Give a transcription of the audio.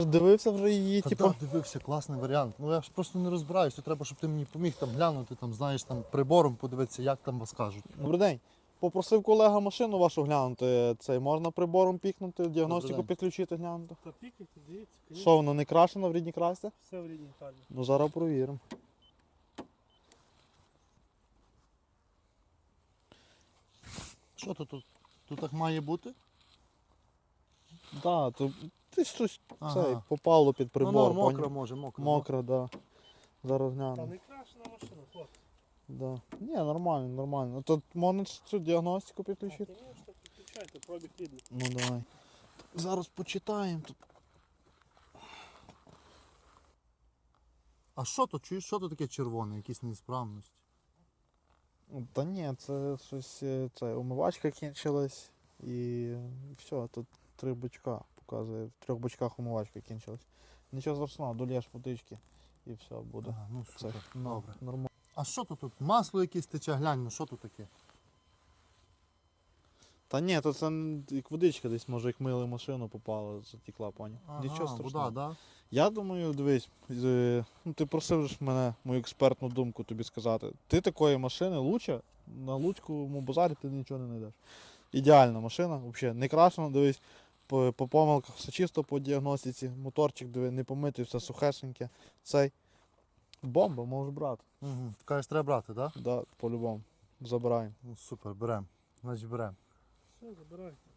Дивився вже її, типу? Так, дивився, класний варіант. Ну я ж просто не розбираюся, треба, щоб ти мені поміг там глянути, там, знаєш, там прибором подивитися, як там вас кажуть. Добрий день. Попросив колега машину вашу глянути. Цей можна прибором пікнути, діагностику день. підключити, глянути. Та пікайте, дивіться, конечно. Що, воно не крашено в рідній красці? Все в рідній фарбі. Ну зараз провіримо. Що тут? Тут так має бути? Так, то ти щось Ага. цей, попало під прибор. Ну, мокра поняв? може, мокра. Мокра, да. Зараз Та гляну. не крашена машина, хлопці. Да. Ні, нормально, нормально. Тут можна цю діагностику підключити? Звісно, підключайте, пробіг рідний. Ну давай. Зараз почитаємо тут. А що то? Чуєш, що то таке червоне, якісь неісправності? Та ні, це щось, це умивачка кінчилась і все, тут 3 бачка показує. В 3 бачках умивачка кінчилась. Нічого страшного, долєш водички і все буде. Ага, ну Це супер, добре. нормально. А що то тут? Масло якесь тече, глянь, ну що тут таке? Та ні, то це як водичка десь, може, як мили машину попала, затікла, поняв. Нічого страшного. Вода, да? Я думаю, дивись, ну, ти просив ж мене мою експертну думку тобі сказати. Ти такої машини лучше на Луцькому базарі ти нічого не знайдеш. Ідеальна машина, взагалі не крашена, дивись, по помилках все чисто по діагностиці, моторчик диви, не помитий, все сухесеньке. Цей бомба, можеш брати. Угу. Ти кажеш, треба брати, так? Да? Да, по-любому. Забираємо. Ну супер, беремо. Значить беремо. Все, забирайте.